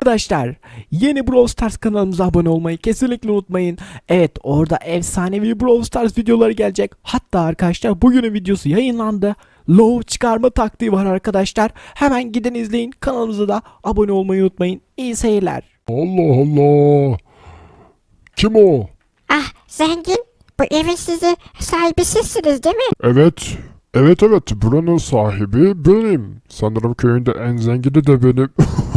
Arkadaşlar, yeni Brawl Stars kanalımıza abone olmayı kesinlikle unutmayın. Evet, orada efsanevi Brawl Stars videoları gelecek. Hatta arkadaşlar bugünün videosu yayınlandı. Low çıkarma taktiği var arkadaşlar. Hemen gidin izleyin. Kanalımıza da abone olmayı unutmayın. İyi seyirler. Allah Allah. Kim o? Ah zengin, bu evin sahibi sizsiniz değil mi? Evet. Evet, buranın sahibi benim. Sanırım köyünde en zengini de benim.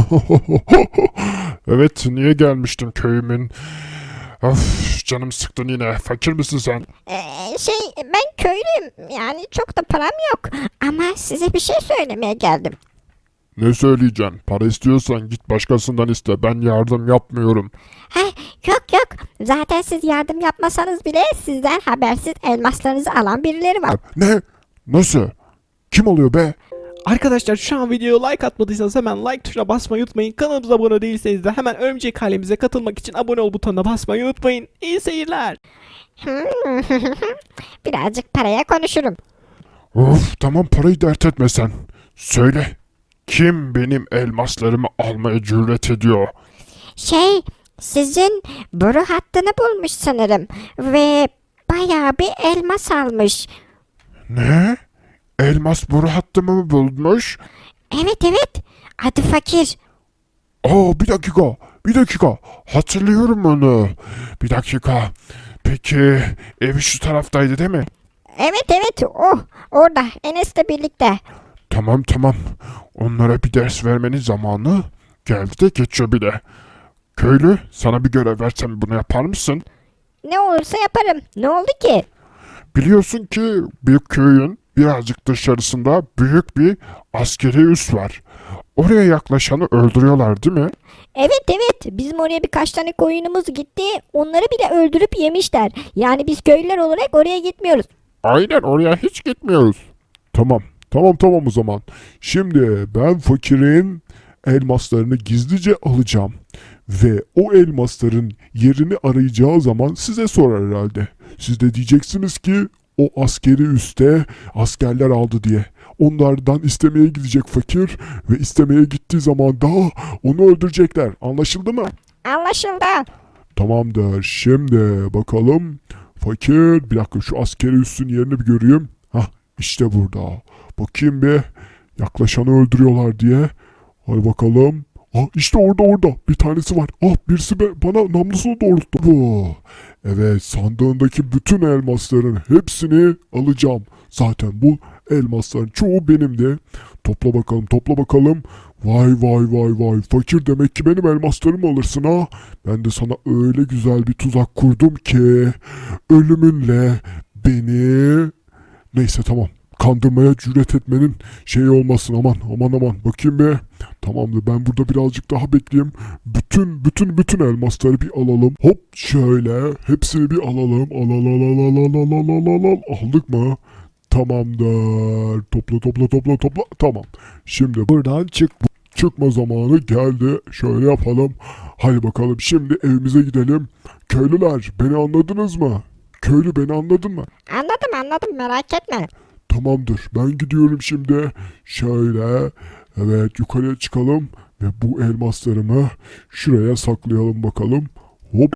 Evet, niye gelmiştim köyümün? Of, canım sıktın yine. Fakir misin sen? Ben köylüyüm, yani çok da param yok ama size bir şey söylemeye geldim. Ne söyleyeceksin? Para istiyorsan git başkasından iste. Ben yardım yapmıyorum. Yok, zaten siz yardım yapmasanız bile sizden habersiz elmaslarınızı alan birileri var. Ne? Nasıl? Kim oluyor be? Arkadaşlar, şu an videoya like atmadıysanız hemen like tuşuna basmayı unutmayın. Kanalımıza abone değilseniz de hemen örümcek halemize katılmak için abone ol butonuna basmayı unutmayın. İyi seyirler. Birazcık paraya konuşurum. Of, tamam, parayı dert etme sen. Söyle. Kim benim elmaslarımı almaya cüret ediyor? Sizin boru hattını bulmuş sanırım ve bayağı bir elmas almış. Ne? Elmas boru hattımı mı bulmuş? Evet, adı Fakir. Bir dakika. Hatırlıyorum onu. Bir dakika. Peki, evi şu taraftaydı değil mi? Evet, orada Enes'le birlikte. Tamam. Onlara bir ders vermenin zamanı geldi de geçiyor bile. Köylü, sana bir görev versem bunu yapar mısın? Ne olursa yaparım. Ne oldu ki? Biliyorsun ki büyük köyün birazcık dışarısında büyük bir askeri üs var. Oraya yaklaşanı öldürüyorlar değil mi? Evet, bizim oraya birkaç tane koyunumuz gitti. Onları bile öldürüp yemişler. Yani biz köylüler olarak oraya gitmiyoruz. Aynen, oraya hiç gitmiyoruz. Tamam o zaman. Şimdi ben fakirin elmaslarını gizlice alacağım. Ve o elmasların yerini arayacağı zaman size sorar herhalde. Siz de diyeceksiniz ki o askeri üste askerler aldı diye. Onlardan istemeye gidecek fakir ve istemeye gittiği zaman da onu öldürecekler. Anlaşıldı mı? Anlaşıldı. Tamamdır. Şimdi bakalım. Fakir, bir dakika şu askeri üssün yerini bir göreyim. Hah, işte burada. Bakayım bir. Yaklaşanı öldürüyorlar diye. Hadi bakalım. İşte orada. Bir tanesi var. Birisi bana namlusunu doğrulttu. Bu. Evet, sandığındaki bütün elmasların hepsini alacağım. Zaten bu elmasların çoğu benimdi. Topla bakalım. Vay. Fakir, demek ki benim elmaslarımı alırsın ha. Ben de sana öyle güzel bir tuzak kurdum ki ölümünle beni... Neyse, tamam. Kandırmaya cüret etmenin şeyi olmasın, aman. Bakayım bir. Tamamdır, ben burada birazcık daha bekleyeyim. Bütün elmasları bir alalım. Hop, şöyle hepsini bir alalım. Al. Aldık mı? Tamamdır. Topla. Tamam. Şimdi buradan çıkma zamanı geldi. Şöyle yapalım. Hadi bakalım, şimdi evimize gidelim. Köylüler, beni anladınız mı? Köylü, beni anladın mı? Anladım, merak etme. Tamamdır. Ben gidiyorum şimdi. Şöyle. Evet, yukarıya çıkalım. Ve bu elmaslarımı şuraya saklayalım bakalım. Hop.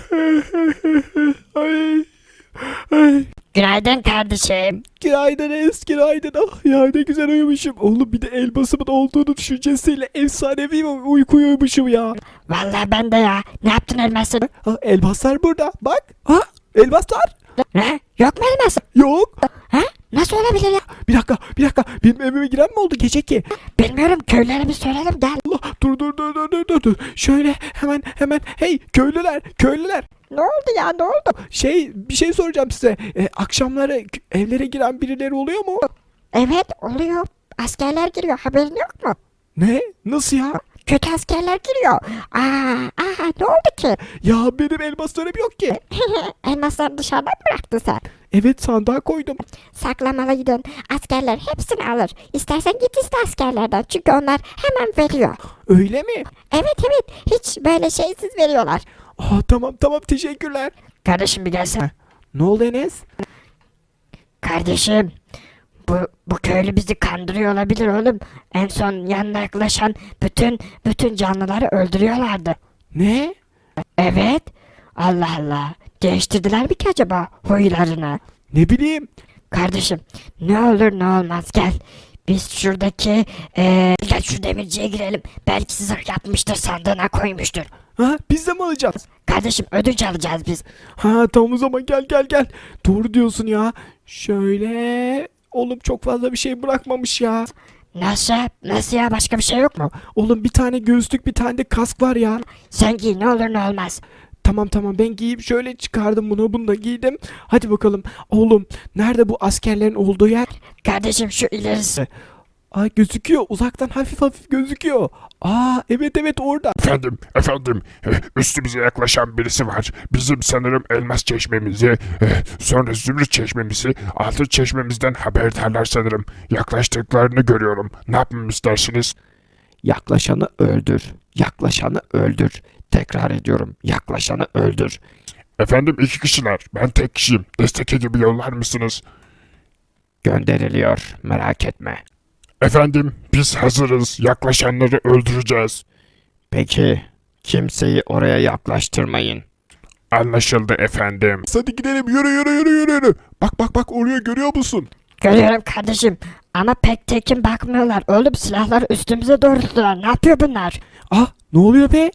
Ay. Günaydın kardeşim. Günaydın Enes, günaydın. Ya ne güzel uyumuşum. Oğlum, bir de elmasımın olduğunu düşüncesiyle efsanevi bir uyku uyumuşum ya. Vallahi ben de ya. Ne yaptın elmasın? Elmaslar burada. Bak. Elmaslar. Ne? Yok mu elmasın? Yok. Nasıl olabilir ya? Bir dakika. Benim evime giren mi oldu gece ki? Bilmiyorum, köylülere bir soralım, gel. Allah, dur. Şöyle hemen. Hey köylüler. Ne oldu ya, ne oldu? Bir şey soracağım size. Akşamları evlere giren birileri oluyor mu? Evet, oluyor. Askerler giriyor, haberin yok mu? Ne? Nasıl ya? Kötü askerler giriyor. Ne oldu ki? Ya benim elmaslarım yok ki. Elmasları dışarıdan mı bıraktın sen? Evet, sandığa koydum. Saklamalıydın. Askerler hepsini alır. İstersen git iste askerlerden. Çünkü onlar hemen veriyor. Öyle mi? Evet. Hiç böyle şeysiz veriyorlar. Tamam, teşekkürler. Kardeşim bir gelsene. Ne oldu Enes? Kardeşim, Bu köylü bizi kandırıyor olabilir oğlum. En son yanına yaklaşan bütün canlıları öldürüyorlardı. Ne? Evet. Allah Allah. Değiştirdiler mi ki acaba huylarını? Ne bileyim. Kardeşim ne olur ne olmaz gel. Biz şuradaki gel şu demirciye girelim. Belki zırh yapmıştır, sandığına koymuştur. Ha, biz de mi alacağız? Kardeşim ödünç alacağız biz. Ha tamam o zaman gel. Doğru diyorsun ya. Şöyle. Oğlum çok fazla bir şey bırakmamış ya. Nasıl? Nasıl ya, başka bir şey yok mu? Oğlum bir tane göğüslük bir tane de kask var ya. Sen giy, ne olur ne olmaz. Tamam ben giyip şöyle çıkardım bunu da giydim. Hadi bakalım. Oğlum nerede bu askerlerin olduğu yer? Kardeşim şu ilerisi. Aa gözüküyor. Uzaktan hafif gözüküyor. Aa evet orada. Efendim, üstümüze yaklaşan birisi var. Bizim sanırım elmas çeşmemizi, sonra zümrüt çeşmemizi, altın çeşmemizden haberdarlar sanırım. Yaklaştıklarını görüyorum. Ne yapmamı istersiniz? Yaklaşanı öldür. Yaklaşanı öldür. Tekrar ediyorum. Yaklaşanı öldür. Efendim 2 kişiler. Ben tek kişiyim. Destek ekibi yollar mısınız? Gönderiliyor. Merak etme. Efendim biz hazırız. Yaklaşanları öldüreceğiz. Peki. Kimseyi oraya yaklaştırmayın. Anlaşıldı efendim. Hadi gidelim, yürü. Bak oraya görüyor musun? Görüyorum kardeşim. Ama pek tekin bakmıyorlar. Oğlum silahları üstümüze doğrulttular. Ne yapıyor bunlar? Ah ne oluyor be?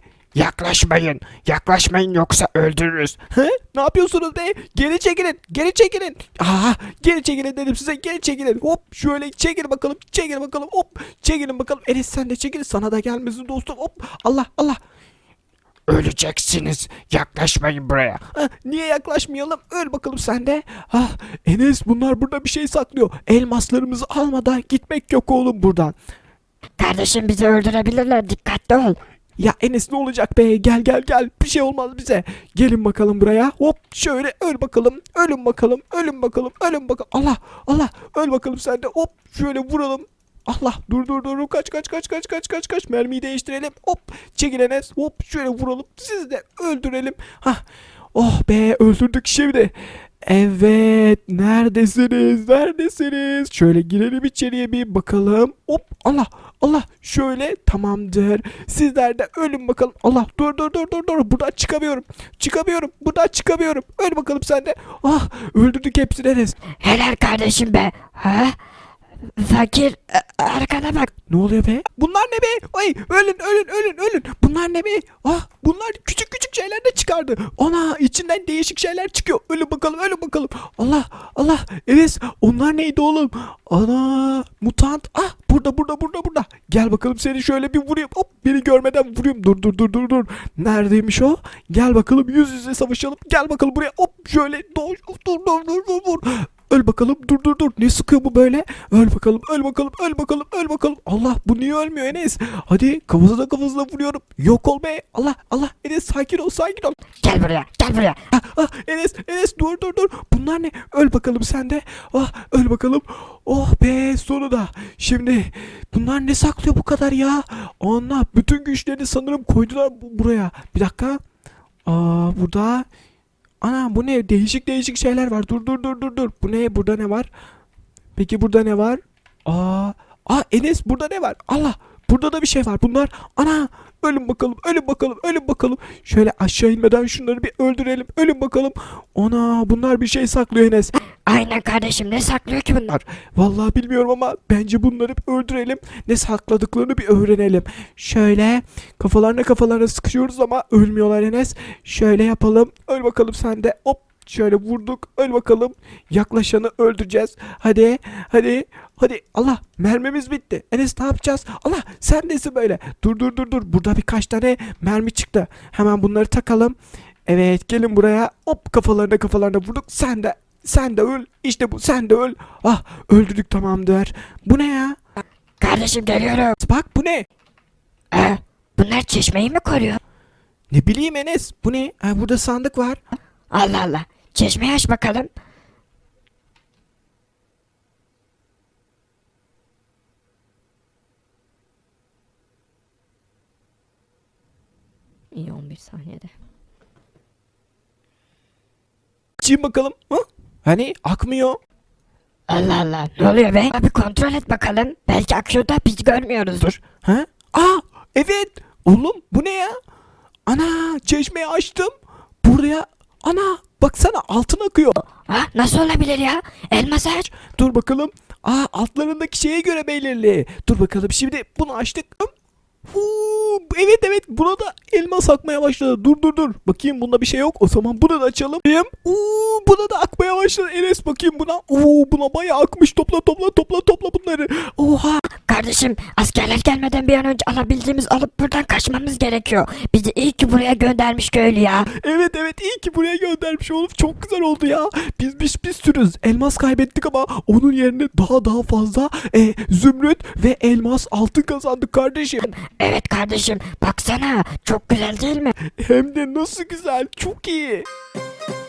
Yaklaşmayın yoksa öldürürüz. He? Ne yapıyorsunuz be? Geri çekilin. Aa, geri çekilin dedim size. Geri çekilin. Hop şöyle çekil bakalım. Hop çekilin bakalım. Enes sen de çekil. Sana da gelmesin dostum. Hop Allah. Öleceksiniz. Yaklaşmayın buraya. Ah, niye yaklaşmayalım? Öl bakalım sen de. Ah Enes bunlar burada bir şey saklıyor. Elmaslarımızı almadan gitmek yok oğlum buradan. Kardeşim bizi öldürebilirler. Dikkatli ol. Ya Enes ne olacak be? Gel. Bir şey olmaz bize. Gelin bakalım buraya. Hop şöyle öl bakalım. Ölün bakalım. Allah. Öl bakalım sen de. Hop şöyle vuralım. Allah dur. Kaç. Mermiyi değiştirelim. Hop çekil Enes. Hop şöyle vuralım. Sizi de öldürelim. Hah. Oh be öldürdük şimdi. Evet neredesiniz? Şöyle girelim içeriye bir bakalım. Hop Allah şöyle tamamdır. Sizler de ölün bakalım. Allah dur. Buradan çıkamıyorum. Öl bakalım sen de. Ah öldürdük hepsini Enes. Helal kardeşim be. Ha? Fakir arkana bak. Ne oluyor be? Bunlar ne be? Ay ölün. Bunlar ne be? Ah bunlar küçük şeyler de çıkardı. Ana içinden değişik şeyler çıkıyor. Ölün bakalım. Allah. Evet onlar neydi oğlum? Ana mutant. Ah burada. Gel bakalım seni şöyle bir vurayım. Hop beni görmeden vurayım. Dur. Neredeymiş o? Gel bakalım yüz yüze savaşalım. Gel bakalım buraya. Hop şöyle dur. Öl bakalım dur. Ne sıkıyor bu böyle? Öl bakalım. Allah bu niye ölmüyor Enes? Hadi kafasına vuruyorum. Yok ol be. Allah. Enes sakin ol. Gel buraya. Enes dur. Bunlar ne? Öl bakalım sen de. Ah öl bakalım. Oh be sonunda. Şimdi bunlar ne saklıyor bu kadar ya? Allah bütün güçlerini sanırım koydular buraya. Bir dakika. Burada ana bu ne? Değişik şeyler var. Dur. Bu ne? Burada ne var? Peki burada ne var? Enes burada ne var? Allah burada da bir şey var. Bunlar ana ölün bakalım. Şöyle aşağı inmeden şunları bir öldürelim. Ölün bakalım. Ana bunlar bir şey saklıyor Enes. Aynen kardeşim, ne saklıyor ki bunlar? Vallahi bilmiyorum ama bence bunları bir öldürelim. Ne sakladıklarını bir öğrenelim. Şöyle kafalarına sıkışıyoruz ama ölmüyorlar Enes. Şöyle yapalım. Öl bakalım sen de. Hop şöyle vurduk. Öl bakalım. Yaklaşanı öldüreceğiz. Hadi. Allah mermimiz bitti. Enes ne yapacağız? Allah sen nesin böyle? Dur. Burada birkaç tane mermi çıktı. Hemen bunları takalım. Evet gelin buraya. Hop kafalarına vurduk. Sen de öl. İşte bu. Sen de öl. Ah öldürdük tamamdır. Bu ne ya? Kardeşim geliyorum. Bak bu ne? Bunlar çeşmeyi mi koruyor? Ne bileyim Enes. Bu ne? Burada sandık var. Allah. Çeşmeyi aç bakalım. İyi 11 saniyede. Açayım bakalım. Hani akmıyor. Allah Allah, ne oluyor be? Abi kontrol et bakalım. Belki akıyor da biz görmüyoruzdur. Ha? Aa, evet. Oğlum bu ne ya? Ana, çeşmeyi açtım. Buraya ana baksana altın akıyor. Ha, nasıl olabilir ya? Elmas aç. Dur bakalım. Aa, altlarındaki şeye göre belirli. Dur bakalım, şimdi bunu açtık. Evet evet, buna da elmas akmaya başladı. Dur. Bakayım bunda bir şey yok. O zaman bunu da açalım. Buna da akmaya başladı. Enes bakayım buna. Buna bayağı akmış. Topla bunları. Oha. Kardeşim, askerler gelmeden bir an önce alabildiğimiz alıp buradan kaçmamız gerekiyor. Bizi iyi ki buraya göndermiş köylü ya. Evet iyi ki buraya göndermiş oğlum. Çok güzel oldu ya. Biz bir sürü elmas kaybettik ama onun yerine daha fazla zümrüt ve elmas altın kazandık kardeşim. Evet kardeşim, baksana çok güzel değil mi? Hem de nasıl güzel. Çok iyi.